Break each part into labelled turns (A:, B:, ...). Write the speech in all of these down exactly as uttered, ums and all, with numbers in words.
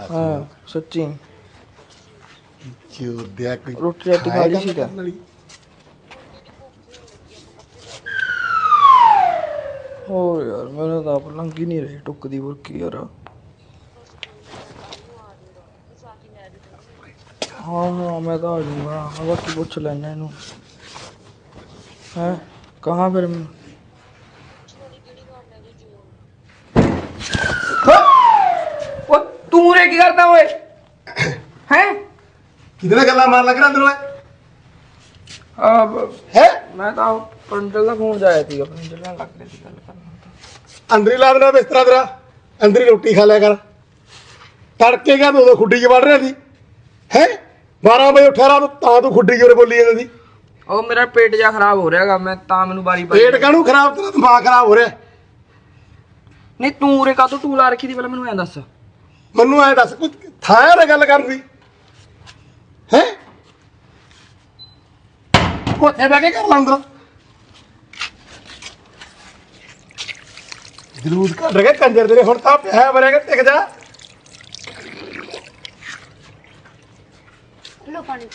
A: हाँ सच्ची
B: चोदिया कोई
A: रोटी राटी खा ली सी क्या हो यार मैंने तो आप लंघी नहीं रही टुक दी बुरकी यार हाँ हाँ मैं तो आ जाऊँगा हाँ बाकी पूछ लेना इनू है कहाँ फिर मैं
C: वो तू रे की करता ओए हैं
B: कितने गल्ला मार लग रहा अंदर
A: अब
B: है
A: मैं तो पंडल का फोन जाया थी अपनी जल्ला लग रही थी गल करना
B: अंदर ही ला देना बिस्तरा तेरा अंदर ही रोटी खा लिया कर तड़के क्या तू खुड्डी च वड़ रहा थी है बारह बजे उठा रहा तो तू खुड्डी च बोली जाती थी
A: ओ मेरा पेट जा खराब हो रहा मैं ता मैनू बारी बारी
B: पेट काहनू खराब तेरा दिमाग खराब हो रहा
A: नहीं तू रे का तो टूल आ रखी थी पहले मैनू ऐ दस
B: ਮੈਨੂੰ ਐ ਦੱਸ ਕੁਝ ਥਾਂ ਨਾ ਗੱਲ ਕਰਨ ਦੀ ਹੈ ਕੋਠੇ ਬੈ ਕੇ ਕਰ ਲੰਦਰ ਜਲੂਸ ਕੱਢ ਰਿਹਾ ਕੰਜਰ ਤੇਰੇ ਹੁਣ ਤਾਂ ਪਿਆ ਬਰੇਗਾ ਟਿਕ ਜਾ
D: ਲੋ ਪਾਣੀ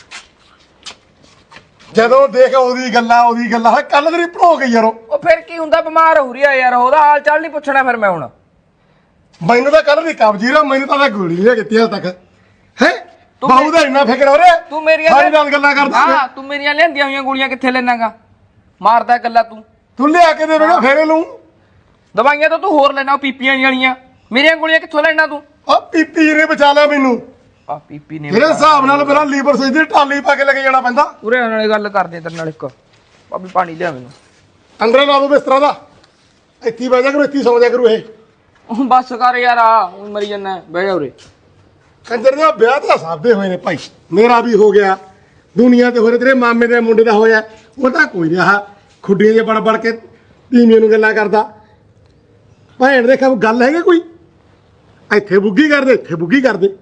B: ਜਦੋਂ ਦੇਖ ਉਹਦੀ ਗੱਲਾਂ ਉਹਦੀ ਗੱਲਾਂ ਹੈ ਕੱਲ ਤੇਰੀ ਭੜੋ ਗਈ ਯਾਰੋ
A: ਉਹ ਫਿਰ ਕੀ ਹੁੰਦਾ ਬਿਮਾਰ ਹੋ ਰਹੀ ਆ ਯਾਰ ਉਹਦਾ ਹਾਲ ਚਾਲ ਨਹੀਂ ਪੁੱਛਣਾ ਫਿਰ ਮੈਂ ਹੁਣ
B: ਮੈਨੂੰ ਤਾਂ ਕੱਲ ਦੀ ਕਬਜੀ ਰਾ ਮੈਨੂੰ ਤਾਂ ਗੋਲੀ ਲਿਆ ਕੀਤੀ ਹਾਲ ਤੱਕ ਹੈ ਬਾਹੂ ਦਾ ਇੰਨਾ ਫਿਕਰ ਹੋ ਰਿਹਾ
A: ਤੂੰ ਮੇਰੀਆਂ
B: ਸਾਰੀ ਨਾਲ ਗੱਲਾਂ ਕਰਦਾ
A: ਹਾਂ ਤੂੰ ਮੇਰੀਆਂ ਲਿਆਂਦੀਆਂ ਹੋਈਆਂ ਗੋਲੀਆਂ ਕਿੱਥੇ ਲੈਣਾਗਾ ਮਾਰਦਾ ਗੱਲਾਂ ਤੂੰ
B: ਤੂੰ ਲਿਆ ਕੇ ਦੇ ਰੋਣਾ ਫੇਰੇ ਲੂੰ
A: ਦਵਾਈਆਂ ਤਾਂ ਤੂੰ ਹੋਰ ਲੈਣਾ ਉਹ ਪੀਪੀਆਂ ਵਾਲੀਆਂ ਮੇਰੀਆਂ ਗੋਲੀਆਂ ਕਿੱਥੋਂ ਲੈਣਾ ਤੂੰ
B: ਆ ਪੀਪੀ ਨੇ ਬਚਾ ਲਿਆ ਮੈਨੂੰ
A: ਆ ਪੀਪੀ ਨੇ
B: ਮੇਰੇ ਹਿਸਾਬ ਨਾਲ ਮੇਰਾ ਲੀਵਰ ਸੋਈ ਦੀ ਟਾਲੀ ਪਾ ਕੇ ਲੈ ਕੇ ਜਾਣਾ ਪੈਂਦਾ
A: ਉਰੇ ਨਾਲੇ ਗੱਲ ਕਰਦੇ ਤੇਰੇ ਨਾਲ ਇੱਕ ਭਾਬੀ ਪਾਣੀ ਲਿਆ ਮੈਨੂੰ
B: ਅੰਦਰ ਲਾ ਦੋ ਬਿਸਤਰਾ ਦਾ ਇੱਥੇ ਬਹਿ ਜਾ ਕਰੂ ਇੱਥੇ ਸੌਂ ਜਾ ਕਰੂ ਇਹ
A: ਉਹ ਬੱਸ ਕਰ ਯਾਰ ਆ ਊਂ ਮਰੀ ਜਾਂਦਾ ਬਹਿ ਜਾ ਉਰੇ
B: ਕੰਜਰ ਦੇ ਵਿਆਹ ਤਾਂ ਸਭ ਦੇ ਹੋਏ ਨੇ ਭਾਈ ਮੇਰਾ ਵੀ ਹੋ ਗਿਆ ਦੁਨੀਆ ਤੇ ਹੋਰੇ ਤੇਰੇ ਮਾਮੇ ਦੇ ਮੁੰਡੇ ਦਾ ਹੋਇਆ ਉਹ ਤਾਂ ਕੋਈ ਰਿਹਾ ਖੁੱਡੀਆਂ ਜੇ ਬੜ ਬੜ ਕੇ ਧੀਮੀਆਂ ਨੂੰ ਗੱਲਾਂ ਕਰਦਾ ਭੈਣ ਦੇ ਖਬ ਗੱਲ ਹੈਗਾ ਕੋਈ ਇੱਥੇ ਬੁੱਗੀ ਕਰਦੇ ਇੱਥੇ ਬੁੱਗੀ ਕਰਦੇ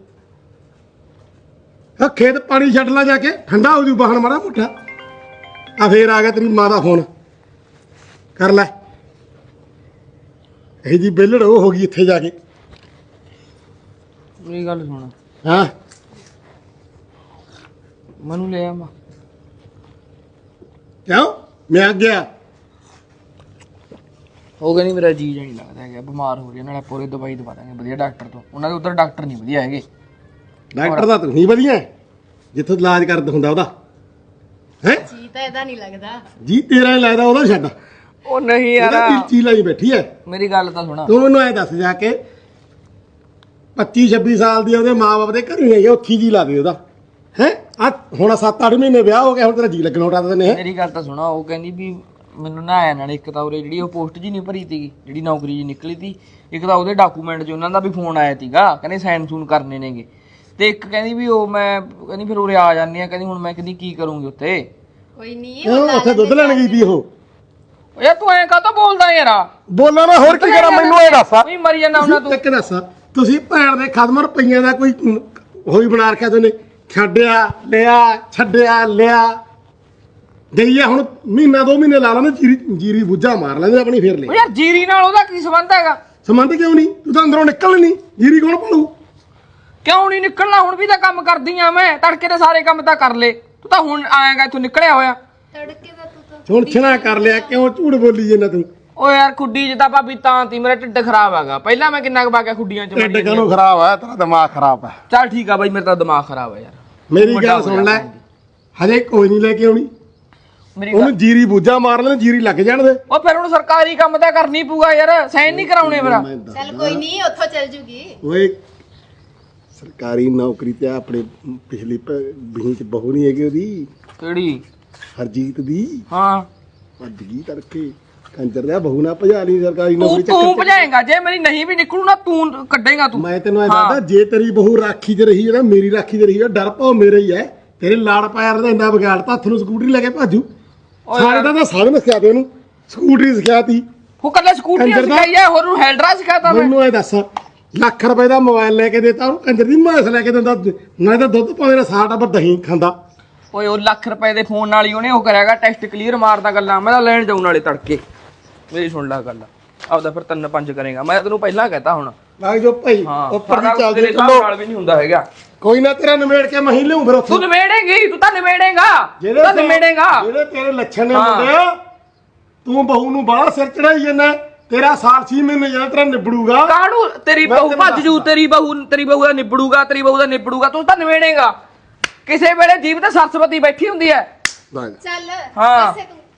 B: ਆ ਖੇਤ ਪਾਣੀ ਛੱਡ ਲਾ ਜਾ ਕੇ ਠੰਡਾ ਹੋ ਜੂ ਬਾਹਣ ਮਾਰਾ ਮੁੱਠਾ ਆ ਫੇਰ ਆ ਗਿਆ ਤੇਰੀ ਮਾਂ ਦਾ ਫੋਨ ਕਰ ਲੈ ਇਹ ਜੀ ਬੇਲੜ ਉਹ ਹੋ ਗਈ ਇੱਥੇ ਜਾ ਕੇ
A: ਮੇਰੀ ਗੱਲ ਸੁਣ
B: ਹਾਂ
A: ਮੈਨੂੰ ਲੈ ਆ ਮਾ
B: ਕਿਉਂ ਮੈਂ ਆ ਗਿਆ
A: ਹੋ ਗਿਆ ਨਹੀਂ ਮੇਰਾ ਜੀ ਜਾਨੀ ਲੱਗਦਾ ਹੈਗਾ ਬਿਮਾਰ ਹੋ ਰਹੀ ਨਾਲੇ ਪੂਰੀ ਦਵਾਈ ਦਵਾ ਦਾਂਗੇ ਵਧੀਆ ਡਾਕਟਰ ਤੋਂ ਉਹਨਾਂ ਦੇ ਉਧਰ ਡਾਕਟਰ ਨਹੀਂ ਵਧੀਆ ਹੈਗੇ
B: ਡਾਕਟਰ ਦਾ ਤੂੰ ਹੀ ਵਧੀਆ ਜਿੱਥੋਂ ਇਲਾਜ ਕਰਦਾ ਹੁੰਦਾ ਉਹਦਾ ਹੈ
D: ਜੀ ਤਾਂ ਇਹਦਾ ਨਹੀਂ ਲੱਗਦਾ
B: ਜੀ ਤੇਰਾ ਹੀ ਲੱਗਦਾ ਉਹਦਾ ਛੱਡ
A: ਉਹ ਨਹੀਂ ਯਾਰ
B: ਇਹਦਾ ਚੀਜ਼ ਲਾਈ ਬੈਠੀ ਐ
A: ਮੇਰੀ ਗੱਲ ਤਾਂ ਸੁਣਾ
B: ਤੂੰ ਮੈਨੂੰ ਐ ਦੱਸ ਜਾ ਕੇ ਪੱਚੀ ਛੱਬੀ ਸਾਲ ਦੀ ਉਹਦੇ ਮਾਂ-ਬਾਪ ਦੇ ਘਰੇ ਆਈ ਉੱਥੀ ਜੀ ਲਾ ਦੇ ਉਹਦਾ ਹੈ ਆ ਹੁਣ ਸੱਤ ਅੱਠ ਮਹੀਨੇ ਵਿਆਹ ਹੋ ਗਿਆ ਹੁਣ ਤੇਰਾ ਜੀ ਲੱਗਣਾ ਉਟਾ ਦਿੰਦੇ
A: ਮੇਰੀ ਗੱਲ ਤਾਂ ਸੁਣਾ ਉਹ ਕਹਿੰਦੀ ਵੀ ਮੈਨੂੰ ਨਾ ਆਇਆ ਨਾਲ ਇੱਕ ਤਾਂ ਉਰੇ ਜਿਹੜੀ ਉਹ ਪੋਸਟ ਜੀ ਨਹੀਂ ਭਰੀ ਸੀਗੀ ਜਿਹੜੀ ਨੌਕਰੀ ਜੀ ਨਿਕਲੀ ਤੀ ਇੱਕ ਤਾਂ ਉਹਦੇ ਡਾਕੂਮੈਂਟ 'ਚ ਉਹਨਾਂ ਦਾ ਵੀ ਫੋਨ ਆਇਆ ਸੀਗਾ ਕਹਿੰਦੇ ਸਾਈਨ ਸੂਨ ਕਰਨੇ ਨੇਗੇ ਤੇ ਇੱਕ ਕਹਿੰਦੀ ਵੀ ਉਹ ਮੈਂ ਕਹਿੰਦੀ ਫਿਰ ਉਰੇ ਆ ਜਾਂਦੀ ਆ ਕਹਿੰਦੀ ਹੁਣ ਮੈਂ ਕਹਿੰਦੀ ਕੀ ਕਰੂੰਗੀ ਉੱਥੇ
D: ਕੋਈ ਨਹੀਂ
B: ਉਹ ਉੱਥੇ ਦੁੱਧ ਲੈਣ ਗਈ ਤੀ ਉਹ
A: ਯਾਰ ਤੂੰ ਐਂ ਕਾਹਤੋਂ ਬੋਲਦਾ ਯਾਰ
B: ਬੋਲਾਂ ਮੈਂ ਹੋਰ ਕੀ ਕਰਾਂ ਮੈਨੂੰ ਇਹ ਦੱਸ
A: ਵੀ ਮਰੀ ਜਾਂਦਾ ਉਹਨਾਂ ਤੂੰ
B: ਇੱਕ ਦੱਸ ਤੁਸੀਂ ਭੈਣ ਦੇ ਖਦਮ ਰੁਪਈਆਂ ਦਾ ਕੋਈ ਹੋਈ ਬਣਾ ਰੱਖਿਆ ਤੁਸੀਂ ਛੱਡਿਆ ਲਿਆ ਛੱਡਿਆ ਲਿਆ ਗਈ ਆ ਹੁਣ ਮਹੀਨਾ ਦੋ ਮਹੀਨੇ ਲਾ ਲੈਣੇ ਜੀਰੀ ਜੀਰੀ ਬੁੱਝਾ ਮਾਰ ਲੈਂਦੇ ਆਪਣੀ ਫੇਰ
A: ਉਹ
B: ਲੈ
A: ਯਾਰ ਜੀਰੀ ਨਾਲ ਉਹਦਾ ਕੀ ਸੰਬੰਧ ਹੈਗਾ
B: ਸੰਬੰਧ ਕਿਉਂ ਨਹੀਂ ਤੂੰ ਤਾਂ ਅੰਦਰੋਂ ਨਿਕਲ ਨਹੀਂ ਜੀਰੀ ਕੌਣ ਪਾਲੂ
A: ਕਿਉਂ ਨਹੀਂ ਨਿਕਲਣਾ ਹੁਣ ਵੀ ਤਾਂ ਕੰਮ ਕਰਦੀ ਆ ਮੈਂ ਤੜਕੇ ਦੇ ਸਾਰੇ ਕੰਮ ਤਾਂ ਕਰ ਲੇ ਤੂੰ ਤਾਂ ਹੁਣ ਆਏਗਾ ਇੱਥੋਂ ਨਿਕਲਿਆ ਹੋਇਆ
D: ਤੜਕੇ ਦਾ ਤੂੰ ਤਾਂ
B: ਹੁਣ ਛਣਾ ਕਰ ਲਿਆ ਕਿਉਂ ਝੂਠ ਬੋਲੀ ਜਾਂਦਾ ਤੂੰ
A: ਓ ਯਾਰ ਖੁੱਡੀ ਚ ਤਾਂ ਭਾਬੀ ਤਾਂ ਤੀ ਮੇਰਾ ਢਿੱਡ ਖਰਾਬ ਹੈਗਾ ਪਹਿਲਾਂ ਮੈਂ ਕਿੰਨਾ ਕੁ ਬਾਕਿਆ ਖੁੱਡੀਆਂ ਚ
B: ਢਿੱਡ ਕਾਹਨੂੰ ਖਰਾਬ ਆ ਤੇਰਾ ਦਿਮਾਗ ਖਰਾਬ ਆ
A: ਚੱਲ ਠੀਕ ਆ ਬਾਈ ਮੇਰਾ ਤਾਂ ਦਿਮਾਗ ਖਰਾਬ ਹੈ ਯਾਰ
B: ਮੇਰੀ ਗੱਲ ਸੁਣ ਲੈ ਹਜੇ ਕੋਈ ਨਹੀਂ ਲੈ ਕੇ ਆਉਣੀ
A: ਮੇਰੀ
B: ਉਹਨੂੰ ਜੀਰੀ ਬੂਝਾ ਮਾਰ ਲੈਣ ਜੀਰੀ ਲੱਗ ਜਾਣ ਦੇ
A: ਉਹ ਫਿਰ ਹੁਣ ਸਰਕਾਰੀ ਕੰਮ ਤਾਂ ਕਰਨੀ ਪਊਗਾ ਯਾਰ ਸਾਈਨ ਨਹੀਂ ਕਰਾਉਣੇ ਮੇਰਾ
D: ਚੱਲ ਕੋਈ ਨਹੀਂ ਉੱਥੋਂ ਚੱਲ ਜੂਗੀ
B: ਓਏ ਸਰਕਾਰੀ ਨੌਕਰੀ ਤੇ ਆਪਣੇ ਪਿਛਲੀ ਬਹੀ ਚ ਬਹੂ ਨਹੀਂ ਹੈਗੀ ਉਹਦੀ
A: ਕਿਹੜੀ
B: ਹਰਜੀਤ ਦੀ
A: ਹਾਂ
B: ਭੱਜ ਗਈ ਤੜਕੇ ਕੰਜਰ ਦਾ ਬਹੂ ਨਾ ਭਜਾ ਲਈ ਸਰਕਾਰੀ
A: ਤੂੰ
B: ਨੌਕਰੀ
A: ਤੂੰ
B: ਚੱਕਰ
A: ਭਜਾਏਗਾ ਜੇ ਮੇਰੀ ਨਹੀਂ ਵੀ ਨਿਕਲੂ ਨਾ ਤੂੰ ਕੱਢੇਗਾ ਤੂੰ
B: ਮੈਂ ਤੈਨੂੰ ਐ ਦੱਸਦਾ ਜੇ ਤੇਰੀ ਬਹੂ ਰਾਖੀ ਚ ਰਹੀ ਹੈ ਨਾ ਮੇਰੀ ਰਾਖੀ ਚ ਰਹੀ ਹੈ ਡਰ ਪਾਉ ਮੇਰੇ ਹੀ ਹੈ ਤੇਰੇ ਲਾੜ ਪਾਇਰ ਦਾ ਇੰਨਾ ਵਿਗਾੜਤਾ ਹੱਥ ਨੂੰ ਸਕੂਟਰੀ ਲੈ ਕੇ ਭਾਜੂ ਸਾਰੇ ਦਾ ਤਾਂ ਸਾਧਨ ਸਿਖਾ ਦੇ ਉਹਨੂੰ ਸਕੂਟਰੀ ਸਿਖਾਤੀ
A: ਉਹ ਕੱਲੇ ਸਕੂਟਰੀ
B: ਕੰਜਰ ਦਾ-
A: ਸਿਖਾਈ ਹੈ ਹੋਰ ਨੂੰ ਹੈਲਡਰਾ ਸਿਖਾਤਾ ਮੈਂ
B: ਮੈਨੂੰ ਐ ਦੱਸ ਲੱਖ ਰੁਪਏ ਦਾ ਮੋਬਾਈਲ ਲੈ ਕੇ ਦੇਤਾ ਉਹਨੂੰ ਕੰਜਰ ਦੀ ਮਾਸ ਲੈ ਕੇ ਦਿੰਦਾ ਨਾ ਤਾਂ ਦੁੱਧ ਪਾਉਂਦੇ ਨਾ ਸਾਡਾ ਪਰ ਦਹੀਂ ਖਾਂਦਾ
A: ਓਏ ਉਹ ਲੱਖ ਰੁਪਏ ਦੇ ਫੋਨ ਨਾਲ ਹੀ ਉਹਨੇ ਉਹ ਕਰਿਆਗਾ ਟੈਸਟ ਕਲੀਅਰ ਮਾਰਦਾ ਗੱਲਾਂ ਮੈਂ ਤਾਂ ਲੈਣ ਜਾਉਣ ਵਾਲੇ ਤੜਕੇ ਮੇਰੀ ਸੁਣ ਲੈ ਗੱਲ ਆਪਦਾ ਫਿਰ ਤਿੰਨ ਪੰਜ ਕਰੇਗਾ ਮੈਂ ਤੈਨੂੰ ਪਹਿਲਾਂ ਕਹਤਾ ਹੁਣ
B: ਲੱਗ ਜੋ ਭਾਈ
A: ਹਾਂ
B: ਉੱਪਰ ਦੀ
A: ਸਾਡਾ
B: ਚੱਲਦੇ
A: ਤੇਰੇ ਹਿਸਾਬ
B: ਚੱਲੋ
A: ਨਾਲ ਵੀ ਨਹੀਂ ਹੁੰਦਾ ਹੈਗਾ।
B: ਕੋਈ ਨਾ ਤੇਰਾ ਨਿਮੇੜ ਕੇ ਮਹੀਂ ਲਿਆਉਂ ਫਿਰ ਉੱਥੋਂ
A: ਤੂੰ ਨਿਮੇੜੇਂਗੀ ਤੂੰ ਤਾਂ ਨਿਮੇੜੇਂਗਾ
B: ਜਿਹੜੇ
A: ਤਾਂ
B: ਤੇਰੇ-
A: ਨਿਮੇੜੇਂਗਾ
B: ਜਿਹੜੇ ਤੇਰੇ ਲੱਛਣ ਨੇ
A: ਹਾਂ।
B: ਮੁੰਡਿਆ ਤੂੰ ਬਹੂ ਨੂੰ ਬਾਹਲਾ ਸਿਰ ਚੜਾਈ ਜਾਂਦਾ ਤੇਰਾ ਸਾਲ ਛੇ ਮਹੀਨੇ ਜਿਹੜਾ ਤੇਰਾ ਨਿਬੜੂਗਾ
A: ਕਾਹਨੂੰ ਤੇਰੀ
B: ਮੈਂ
A: ਬਹੂ
B: ਤੈਨੂੰ
A: ਭੱਜ ਜੂ ਤੇਰੀ ਬਹੂ ਤੇਰੀ ਬਹੂ ਦਾ ਨਿਬੜੂਗਾ ਤੇਰੀ ਬਹੂ ਦਾ ਨਿਬੜੂਗਾ ਤੂੰ ਤਾਂ ਨਿਵੇੜੇਗਾ ਕਿਸੇ ਵੇਲੇ ਜੀਵ ਤੇ ਸਰਸਵਤੀ ਬੈਠੀ ਹੁੰਦੀ ਹੈ
B: ਬਸ।
D: ਚੱਲ
A: ਹਾਂ।
D: ਵੈਸੇ ਤੂੰ